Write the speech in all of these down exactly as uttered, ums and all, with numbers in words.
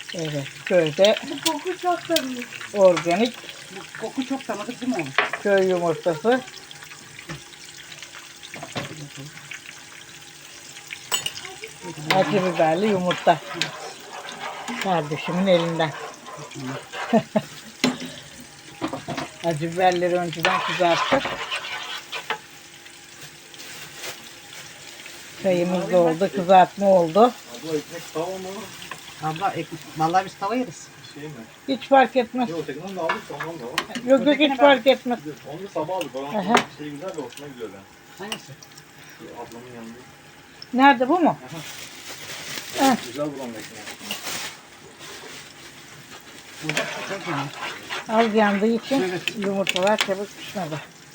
Evet, köyde Bu koku çok tanıdık. organik Bu koku çok tanıdık değil mi oğlum? köy yumurtası. Acı biberli yumurta. Kardeşimin elinden. Acı biberleri önceden kızarttık. Çayımız da oldu, kızartma oldu. Abla ekmek tava mı? Abla ekmek. Vallahi biz tava yeriz. Şey mi? Hiç fark etmez. Yok ötekinden de aldık da ondan da var. Yok yok hiç fark etmez. Onu da sabah aldık. Bana Aha. şey güzel de hoşuma gidiyor ben. Hangisi? Şu ablamın yanında. Nerede bu mu? Heh. Güzel bulan ekmeği. Bu da çok yanlış. Az yandığı için Evet. yumurtalar çabuk pişmedi.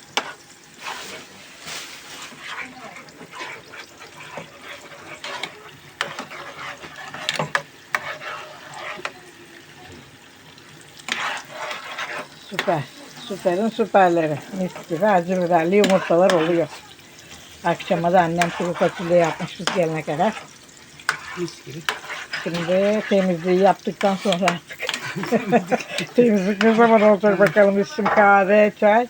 Süper. Süperin süperleri. Mis gibi acı biberli yumurtalar oluyor. Akşama da annem kuru fasulye yapmış biz gelene kadar. Mis gibi. Şimdi temizliği yaptıktan sonra artık. Temizlik ne zaman olacak bakalım. İçim kahve, çay.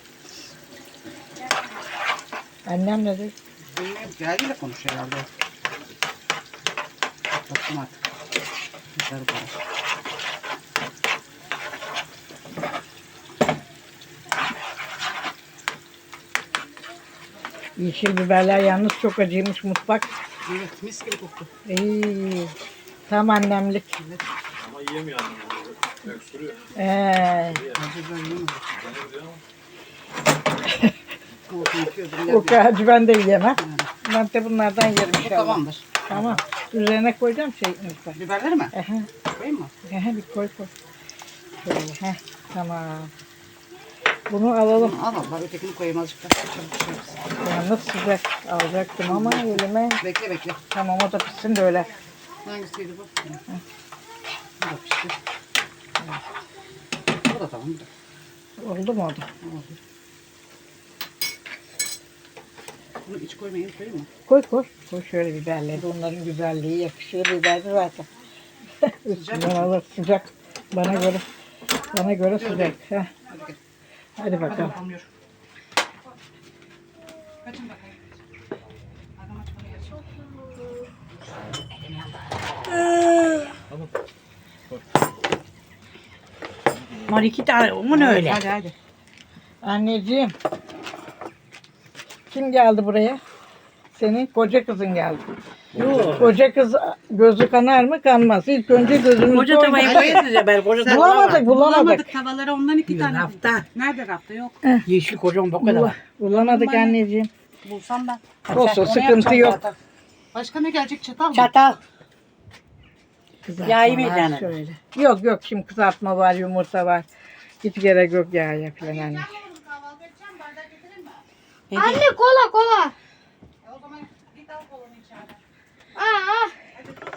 Annem ne dedi? Bilmiyorum. Geldiyle konuş herhalde. Baktım artık. Dışarı para. Yeşil biberler yalnız çok acıymış mutfak. Evet, mis gibi koktu. İyi. Tam annemlik. Evet. Ama yiyemiyor annem. böyle. Öksürüyor. Ee, Acı ben yemedim. Ben diyor ama. Olsun, yıkıyordum. o geldi. kadar ben de yiyemem. Yani. Ben de bunlardan yerim Bu inşallah. tamamdır. Tamam. Üzerine koyacağım şey lütfen. Biberleri mi? Ehe, Koyayım mı? ehe, bir koy koy. Şöyle, heh, tamam. Bunu alalım. Bunu al abla. Ötekini koyayım azıcık da. Çabuk pişiririz. Yalnız sıcak alacaktım ama elime. Bekle bekle. Tamam o da pişsin de öyle. Hangisiydi bu? Bu da pişti. Bu da tamam. Bu da. Oldu mu o da? Oldu. Bunu iç koymayayım, koyayım mı? Koy koy. Koy şöyle biberleri. Onların güzelliği yakışıyor biberli zaten. Üstünden alır sıcak. Bana göre. Bana göre sıcak. Heh. Hadi gel. Hadi Hadi bakalım. bakalım yürü. Kaçın bakayım. Adam aç bana gelsin. Tamam. Var iki tane. Onun öyle. Hadi hadi. Anneciğim. Kim geldi buraya? Senin koca kızın geldi. Yok. Koca kız gözü kanar mı kanmaz. İlk önce gözünü Koca tavayı koyasınca ben koca tavayı. Bulamadık bulamadık. Bulamadık tavaları ondan iki tane. Rafta. Nerede rafta yok. Yeşil kocaman bu kadar Bula- var. bulamadık Bana- anneciğim. Bulsam ben. Olsun Onu sıkıntı yapacağım yok. zaten. Başka ne gelecek çatal mı? Çatal. Kızartma Yağ var yemeyeceksin. şöyle. Yok yok şimdi kızartma var yumurta var. Hiç gerek yok yağa falan anne. Kahvaltı edeceğim, bardak getireyim mi? Anne Kola kola. E o zaman git al kolanı içeride. Aa.